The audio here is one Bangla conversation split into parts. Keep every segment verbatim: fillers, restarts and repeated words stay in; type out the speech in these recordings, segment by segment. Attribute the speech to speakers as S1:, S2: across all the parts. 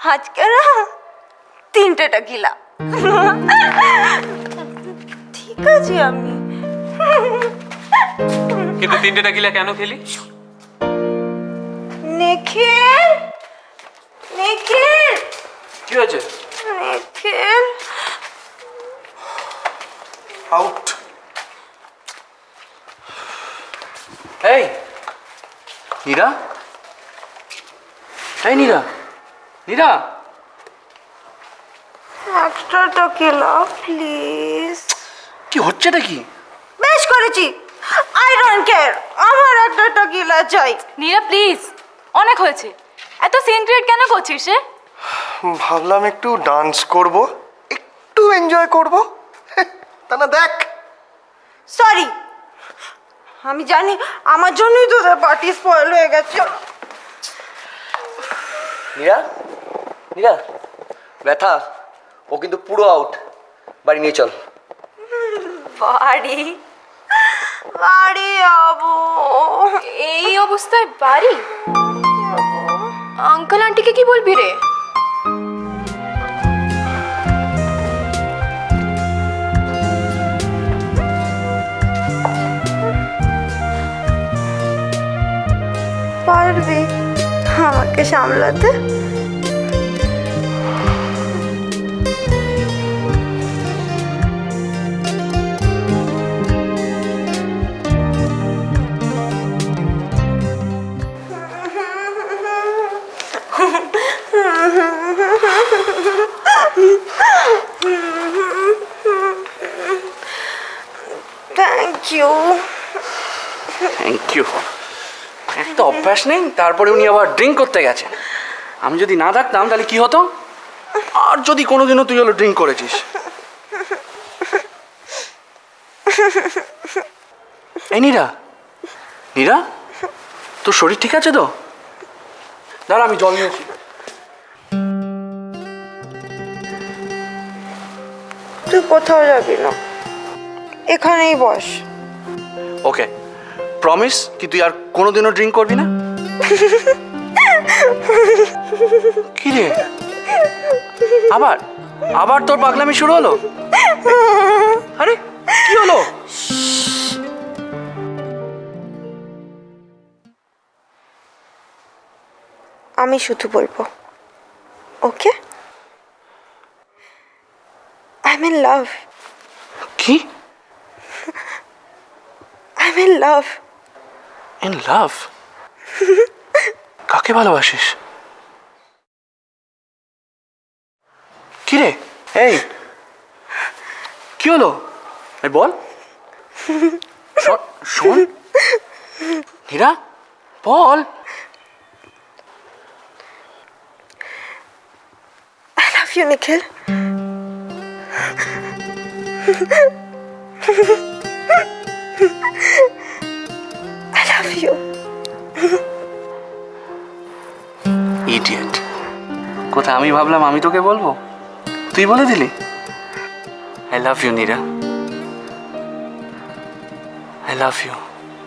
S1: আজকে না তিনটে টেকিলা। ঠিক আছে আমি
S2: কিন্তু তিনটে টেকিলা কেন খেলি?
S1: নিখিল, নিখিল,
S2: কি হয়েছে?
S1: নিখিল
S3: আউট।
S2: এই নীরা, এই নীরা, নীরা,
S1: একটা টেকিলা প্লিজ।
S2: কি হচ্ছেটা কি?
S1: বেশ করেছি, আই ডোন্ট কেয়ার, আমার একটা টেকিলা চাই।
S4: নীরা প্লিজ, অনেক হয়েছে। এত সিন ক্রিয়েট কেন করছিস রে?
S3: ভাবলাম একটু ডান্স করব, একটু এনজয় করব। তা না দেখ।
S1: সরি, আমি জানি আমার জন্যই তোদের পার্টি স্পয়েল হয়ে গেছে।
S5: নীরা, নীরা, ব্যথা, ও কিন্তু পুরো আউট। বাড়ি নিয়ে চল।
S1: বাড়ি বাড়ি যাবো।
S4: এই অবস্থায় বাড়ি? আঙ্কেল আন্টিকে কি বলবি রে?
S1: পারবি আমাকে সামলাতে? Thank you.
S2: Thank you. একটা অভ্যাস নেই, তারপরে উনি আবার ড্রিঙ্ক করতে গেছেন। আমি যদি না থাকতাম তাহলে কি হতো? আর যদি কোনোদিনও তুই হলো ড্রিঙ্ক করেছিস। এই নীরা, নীরা, তোর শরীর ঠিক আছে তো? দাঁড়া আমি জল নিয়েছি।
S1: তুই কোথাও যাবি না, এখানেই বস।
S2: ওকে, প্রমিস কি তুই আর কোনোদিনও ড্রিঙ্ক করবি না? কি রে, আবার আবার তোর পাগলামি শুরু হলো? আরে কি হলো?
S1: আমি শুধু বলবো, okay? I am in love.
S2: কি?
S1: I am in love.
S2: In love? কাকে ভালোবাসিস? কি রে, এই কি হলো? এই বল। শোন- শোন নীরা, বল।
S1: I love you Nikhil. I love you.
S2: Idiot, কোথা আমি ভাবলাম আমি তোকে বলবো, তুই বলে দিলি। I love you Nira, I love you.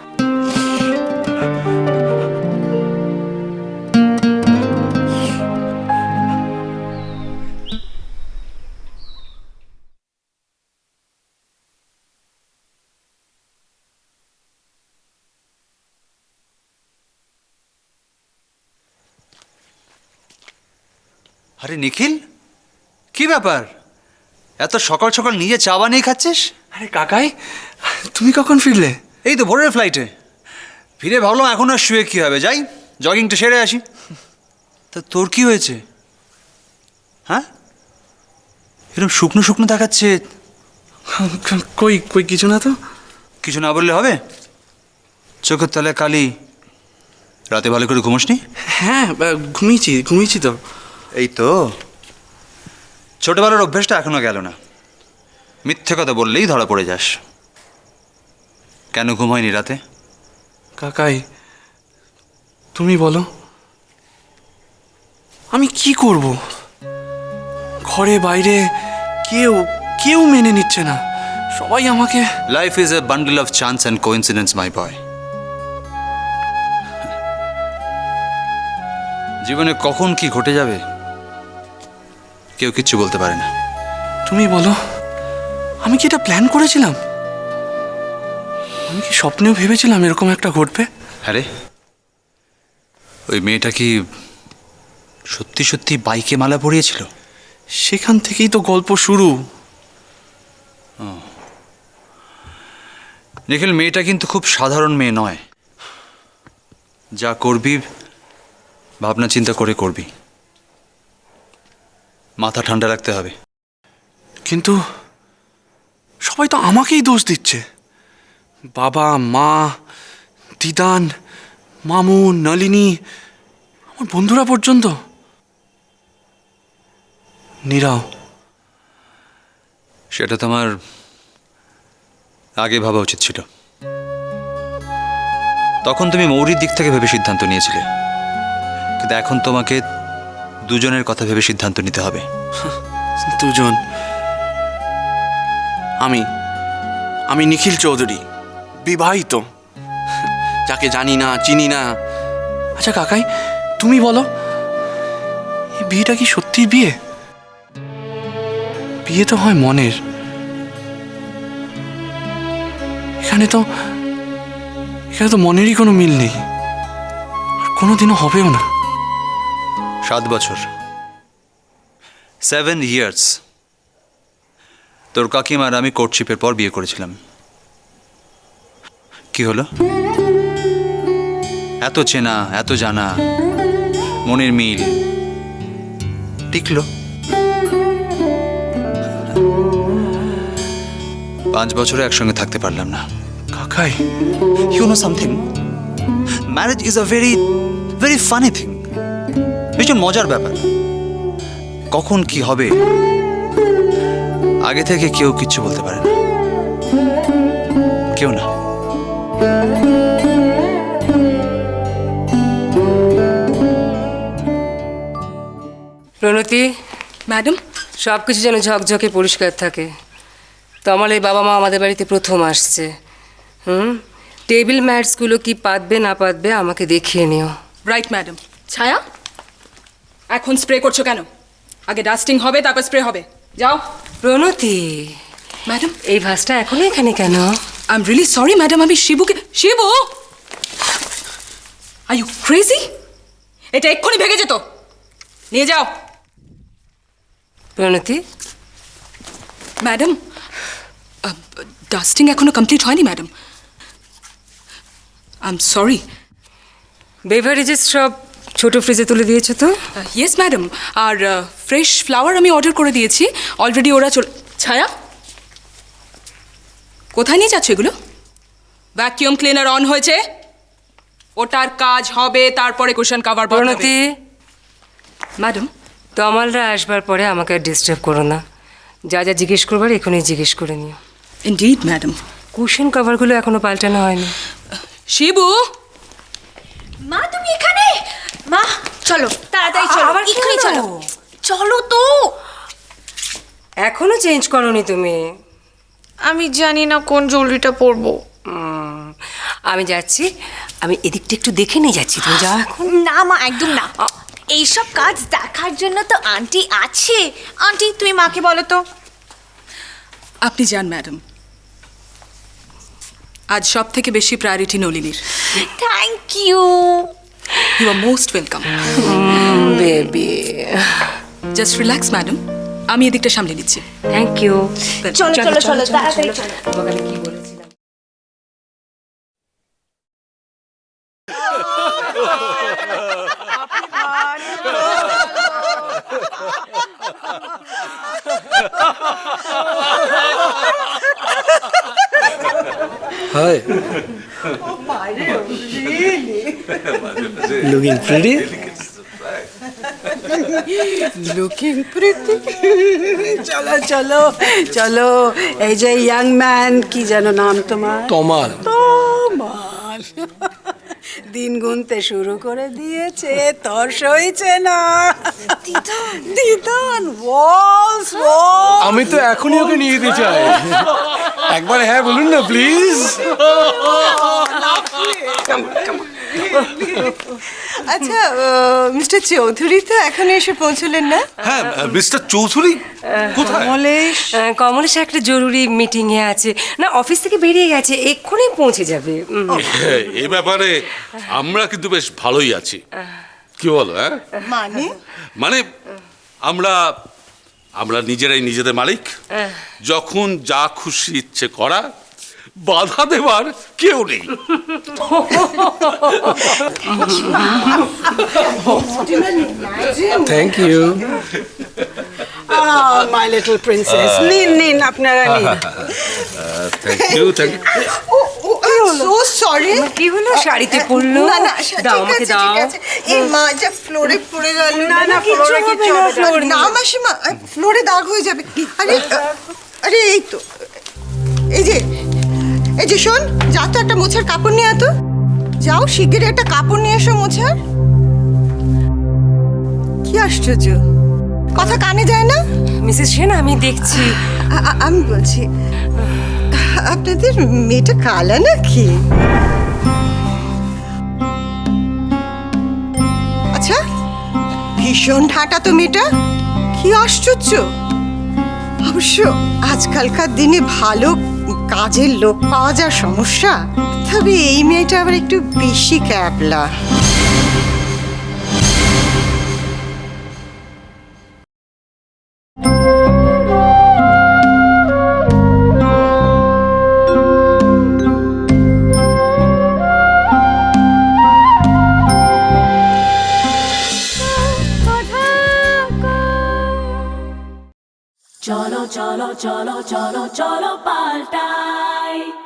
S6: আরে নিখিল, কি ব্যাপার? এত সকাল সকাল নিজে চা বানিয়ে খাচ্ছিস?
S2: আরে কাকাই, তুমি কখন ফিরলে?
S6: এই তো ভোরের ফ্লাইটে ফিরে ভাবলাম এখন আর শুয়ে কী হবে, যাই জগিংটা সেরে আসি। তা তোর কি হয়েছে? হ্যাঁ, এরকম শুকনো শুকনো দেখাচ্ছে।
S2: কই কই কিছু না তো।
S6: কিছু না বললে হবে? চোখের তলায় কালি, রাতে ভালো করে ঘুমোসনি?
S2: হ্যাঁ ঘুমিয়েছি ঘুমিয়েছি তো।
S6: এই তো ছোটবেলার অভ্যেসটা এখনো গেল না, মিথ্যে কথা বললেই ধরা পড়ে যাস। কেন ঘুম হয়নি রাতে?
S2: কাকাই তুমি বলো, আমি কি করব? ঘরে বাইরে কেউ কেউ মেনে নিচ্ছে না, সবাই আমাকে।
S6: Life is a bundle of chance and coincidence my boy. জীবনে কখন কি ঘটে যাবে কেউ কিচ্ছু বলতে পারে না।
S2: তুমি বলো, আমি কি এটা প্ল্যান করেছিলাম? আমি কি স্বপ্নেও ভেবেছিলাম এরকম একটা ঘটবে?
S6: আরে ওই মেয়েটা কি সত্যি সত্যি বাইকে মালা পরিয়েছিল?
S2: সেখান থেকেই তো গল্প শুরু।
S6: নিখিল, মেয়েটা কিন্তু খুব সাধারণ মেয়ে নয়। যা করবি ভাবনা চিন্তা করে করবি, মাথা ঠান্ডা রাখতে হবে।
S2: কিন্তু সবাই তো আমাকেই দোষ দিচ্ছে। বাবা, মা, দিদান, মামু, নলিনী, আমার বন্ধুরা পর্যন্ত। নীরাও।
S6: সেটা তোমার আগে ভাবা উচিত ছিল। তখন তুমি মৌরির দিক থেকে ভেবে সিদ্ধান্ত নিয়েছিলে, কিন্তু এখন তোমাকে দুজনের কথা ভেবে সিদ্ধান্ত নিতে হবে।
S2: দুজন? আমি আমি নিখিল চৌধুরী, বিবাহিত, যাকে জানি না, চিনি না। আচ্ছা কাকাই, তুমি বলো, এই বিয়েটা কি সত্যি বিয়ে? বিয়ে তো হয় মনের। এখানে তো এখানে তো মনেরই কোনো মিল নেই, আর কোনোদিনও হবেও না।
S6: সাত বছর, সেভেন ইয়ার্স। তোর কাকিমার আমি কোর্টশিপের পর বিয়ে করেছিলাম। কি হলো? এত চেনা, এত জানা, মনের মিল টিকলো। পাঁচ বছরে একসঙ্গে থাকতে পারলাম না।
S2: কাকাই,
S6: You know something? Marriage is a very, very funny thing. ভীষণ মজার ব্যাপার। কখন কি হবে আগে থেকে কেউ কিচ্ছু বলতে পারে না, কেউ না।
S7: প্রণতি,
S4: ম্যাডাম,
S7: সব কিছু যেন ঝকঝকে পরিষ্কার থাকে। তো আমার এই বাবা মা আমাদের বাড়িতে প্রথম আসছে। হুম, টেবিল ম্যাটসগুলো কি পাতবে না পাতবে আমাকে দেখিয়ে নিও।
S4: Right madam. ছায়া, এখন স্প্রে করছো কেন? আগে ডাস্টিং হবে, তারপর স্প্রে হবে। যাও।
S7: প্রণতি,
S4: ম্যাডাম,
S7: এই ভাসটা এখনো এখানে কেন?
S4: I am really sorry madam, আমি শিবুকে... শিবু, আর ইউ ক্রেজি? এটা এক্ষুনি ভেঙে যেত। নিয়ে যাও।
S7: প্রণতি,
S4: ম্যাডাম, ডাস্টিং এখনো কমপ্লিট হয়নি madam. I am sorry.
S7: Beverages সব ছোট ফ্রিজে তুলে দিয়েছো তো?
S4: ইয়েস ম্যাডাম, আর ফ্রেশ ফ্লাওয়ার আমি অর্ডার করে দিয়েছি অলরেডি। ওরা চলে... ছায়া, কোথায় নিয়ে যাচ্ছ এগুলো? ভ্যাকিউম ক্লিনার অন হয়েছে, ওটার কাজ হবে, তারপরে কুশন কাভার।
S7: প্রণতি,
S4: ম্যাডাম,
S7: তমালরা আসবার পরে আমাকে আর ডিস্টার্ব করো না। যা যা জিজ্ঞেস করবার এখনই জিজ্ঞেস করে নিও।
S4: Indeed madam.
S7: কুশন কভারগুলো এখনো পাল্টানো হয়নি।
S4: শিবু,
S1: মা তুমি এখানে? মা চলো তাড়াতাড়ি চলো,
S7: আবার কি
S1: এক্ষুনি
S7: হলো?
S1: চলো, চলো তো।
S7: এখনো চেঞ্জ করোনি তুমি?
S1: আমি জানি না কোন জুয়েলারিটা পরবো।
S7: উম, আমি যাচ্ছি, আমি এদিকটা একটু দেখে নিয়ে যাচ্ছি। তুমি যাও এখন।
S1: না মা, একদম না। এইসব কাজ দেখার জন্য তো আন্টি আছে। আন্টি তুমি মাকে বলো তো।
S4: আপনি যান ম্যাডাম। আজ সব থেকে বেশি প্রায়োরিটি নলিনীর।
S1: Thank you.
S4: You are most welcome.
S7: Baby,
S4: just relax madam, আমি এদিকটা সামলে নিচ্ছি।
S7: Thank you.
S1: চলো চলো চলো তাড়াতাড়ি চলো।
S7: তোমাকে আমি কি বলেছিলাম?
S5: Hi. Looking pretty?
S8: Looking pretty. চলো চলো চলো, এই যে ইয়াং ম্যান, কি যেন নাম তোমার?
S5: তমাল।
S8: তমাল দিন গুনতে শুরু করে দিয়েছে, তোর সইছে না। দিদান, ওয়ালস ওয়ালস।
S5: আমি তো এখনই ওকে নিয়ে যেতে চাই। একবার হ্যাঁ বলুন না প্লিজ।
S9: আচ্ছা মিস্টার চৌধুরী তো এখন এসে পৌঁছলেন না?
S10: হ্যাঁ মিস্টার চৌধুরী কোথায়?
S8: কমলেশ
S7: আহ, কমলেশ একটা জরুরি মিটিংয়ে আছে না, অফিস থেকে বেরিয়ে গেছে, এক্ষুনি পৌঁছে যাবে। উম।
S10: হ্যাঁ, এ ব্যাপারে আমরা কিন্তু বেশ ভালোই আছি, কি বলো? হ্যাঁ
S9: মানে
S10: মানে আমরা আমরা নিজেরাই নিজেদের মালিক, যখন যা খুশি ইচ্ছে করা, বাধা দেবার কেউ নেই।
S3: Thank you.
S8: My little princess, নিন নিন আপনারা নিন।
S10: Thank you thank you
S9: so sorry.
S7: কি হলো, শাড়িতে পড়লো?
S9: না না
S7: দাও,
S9: ঠিক
S7: আমাকে
S9: আছে,
S7: দাও।
S9: ঠিক আছে। এই মা যা ফ্লোরে পড়ে গেল।
S8: না না ফ্লোরে কিচ্ছু হবে না।
S9: না মাসিমা, ফ্লোরে দাগ হয়ে যাবে। আরে আরে এই তো, এই যে এই যে শোন, যা তো একটা মোছার কাপড় নিয়ে আয় তো। যাও শিগগিরই একটা কাপড় নিয়ে এসো মোছার। কি আশ্চর্য, কথা কানে যায় না?
S7: মিসেস সেন, আমি দেখছি।
S9: আ- আ- আমি বলছি, আপনাদের মেয়েটা কালা নাকি? আচ্ছা, ভীষণ ঠাটা তো মেয়েটা। কি আশ্চর্য। অবশ্য আজকালকার দিনে ভালো কাজের লোক পাওয়া যা সমস্যা, তবে এই মেয়েটা আবার একটু বেশি ক্যাবলা।
S11: cholo cholo cholo cholo cholo paltai